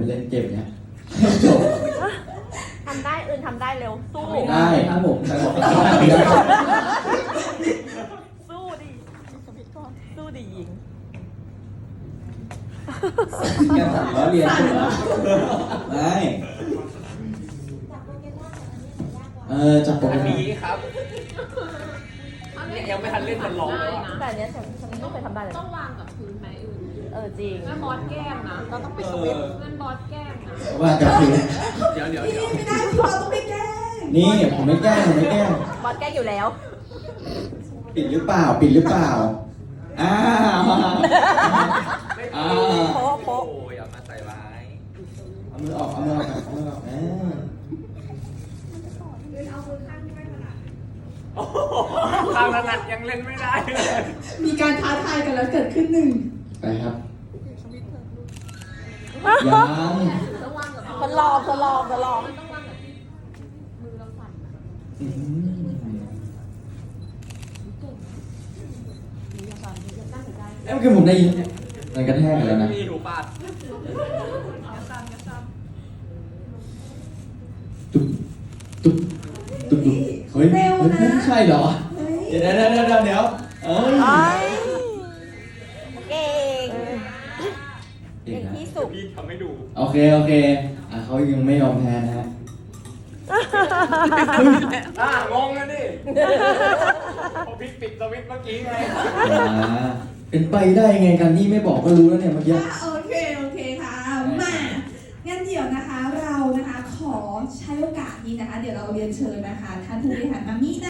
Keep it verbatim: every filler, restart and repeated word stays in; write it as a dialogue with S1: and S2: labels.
S1: เล่นเกมเนี้ยจบ
S2: ทำได้อื่นทำได้เร็วสู้
S1: ได้ครับผมใครบอกได้
S2: สู้ดิสู้ดิหญิง
S1: แกสั่งล้อเรียนใช่ไหมไม่เออจับโปเก
S3: อัน
S1: มอน
S3: นี้ครับยังไม่ทันเล่นมันร้องเลย
S2: แต่อันเนี้ยฉันฉันไม่เคยทำได้เลย
S4: ต้องวางกับพื้นไหมอื่น
S2: เออจริง
S4: นั่นบอสแก้มนะ
S2: เราต้องไปสวิตช์
S4: นั่นบอสแก้มนะ
S1: ว่ากับคือ
S3: เดี๋ยวเดี๋ยว
S5: พี่
S3: เดี๋ยว
S5: ไม่ได้พี่บอลต้องไปแก้ง
S1: นี่ผมไม่แกล้งผมไม่แกล้ง
S2: บอสแกล้งอยู่แล้ว
S1: ปิดหรือเปล่าปิดหรือเปล่าอ้าว
S3: ไม่
S1: อ้า
S3: โอ้
S1: ว
S2: โป๊ะโป๊ะ
S3: ยอย่ามาใส่ร้าย
S1: เอามือออกเอามือออกเอามือออกเออ
S3: โอ้โหทางถนัดยังเล่นไม่ได้เลย
S5: มีการท้าทายกันแล้วเกิดขึ้นหนึ่ง
S1: ไปครับยัง
S4: ต้องวางกับ
S2: ทดลองทดลองทดลอง
S4: ต้องวางกับที่มือเราสั่นนะ
S1: อื้อหือเอ้ยเมื่อกี้ผมได้ยินมันกระแทกกันแล้วนะ
S3: มีหูปาด
S1: ตุ๊บตุ๊บตุ๊บตุ๊บเฮ้ยเฮ้ยไม่ใช่เหรอ
S5: เฮ้ย
S1: เดี๋ยวเดี๋ยวเดี๋ยวเดี๋ยวเดี๋ยวเอ้ย
S2: ไอ้เก่ง
S1: เก่
S2: เก่
S1: ง
S2: ง
S1: นะ
S2: ที่สุด
S3: พี่ทำให้ดู
S1: โอเคโอเคอ่ะเขายังไม่ยอมแพ้นะฮะ
S3: อ่ะงงนะดิพอพี่ปิดสวิตช์เมื่อกี้ไง
S1: อ่าเป็นไปได้ไงกันนี่ไม่บอกก็รู้แล้วเนี่ยเมื่อกี้
S5: อ่ะโอเคโอเคค่ะมางั้นเดี๋ยวนะคะเรานะคะขอใช้โอกาสนี้นะคะ เดี๋ยวเราเรียนเชิญนะคะท่านผู้บริหารมามินะ